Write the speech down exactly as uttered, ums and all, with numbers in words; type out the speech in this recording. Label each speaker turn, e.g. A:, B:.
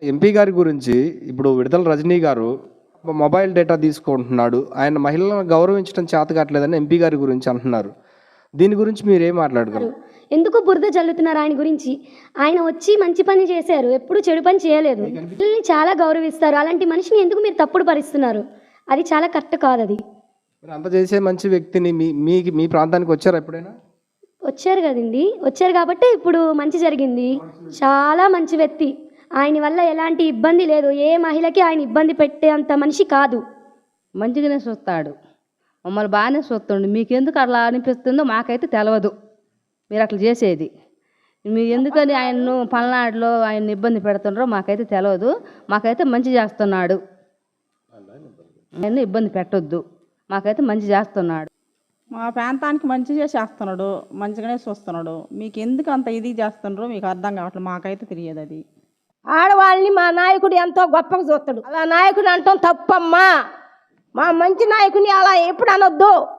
A: MP గారి గురించి ఇప్పుడు విడుదల రజనీ గారు మొబైల్ డేటా తీసుకుంటున్నాడు. ఆయన మహిళలను గౌరవించడం చేత కావట్లేదని ఎంపీ గారి గురించి అంటున్నారు. దీని గురించి మీరేం మాట్లాడగలరు?
B: ఎందుకు బురద జల్లుతున్నారు ఆయన గురించి? ఆయన వచ్చి మంచి పని చేశారు, ఎప్పుడు చెడు పని చేయలేదు. పిల్లల్ని చాలా గౌరవిస్తారు. అలాంటి మనిషిని ఎందుకు మీరు తప్పుడు పరిస్తున్నారు? అది చాలా కరెక్ట్ కాదు. అది
A: మరి అంత చేసే మంచి వ్యక్తిని మీ మీ మీ ప్రాంతానికి వచ్చారా ఎప్పుడైనా?
B: వచ్చారు కదండి, వచ్చారు కాబట్టి ఇప్పుడు మంచి జరిగింది. చాలా మంచి వ్యక్తి. ఆయన వల్ల ఎలాంటి ఇబ్బంది లేదు. ఏ మహిళకి ఆయన ఇబ్బంది పెట్టేంత మనిషి కాదు.
C: మంచిగానే చూస్తాడు, మమ్మల్ని బాగానే చూస్తుండు. మీకెందుకు అట్లా అనిపిస్తుందో మాకైతే తెలియదు. మీరు అట్లా చేసేది మీరు ఎందుకని ఆయన్ను పల్నాడులో ఆయన్ని ఇబ్బంది పెడుతుండ్రో మాకైతే తెలియదు. మాకైతే మంచి చేస్తున్నాడు. ఆయన్ని ఇబ్బంది పెట్టొద్దు, మాకైతే మంచి చేస్తున్నాడు.
D: మా ప్రాంతానికి మంచిగా చేస్తున్నాడు, మంచిగానే చూస్తున్నాడు. మీకు ఎందుకు అంత ఇది చేస్తుండ్రో మీకు అర్థం కావట్లేదు. మాకైతే తెలియదు. అది
E: ఆడవాళ్ళని మా నాయకుడు ఎంతో గొప్పగా చూస్తాడు. అలా నాయకుడు అంటాం తప్పమ్మా. మా మంచి నాయకుని అలా ఎప్పుడు అనొద్దు.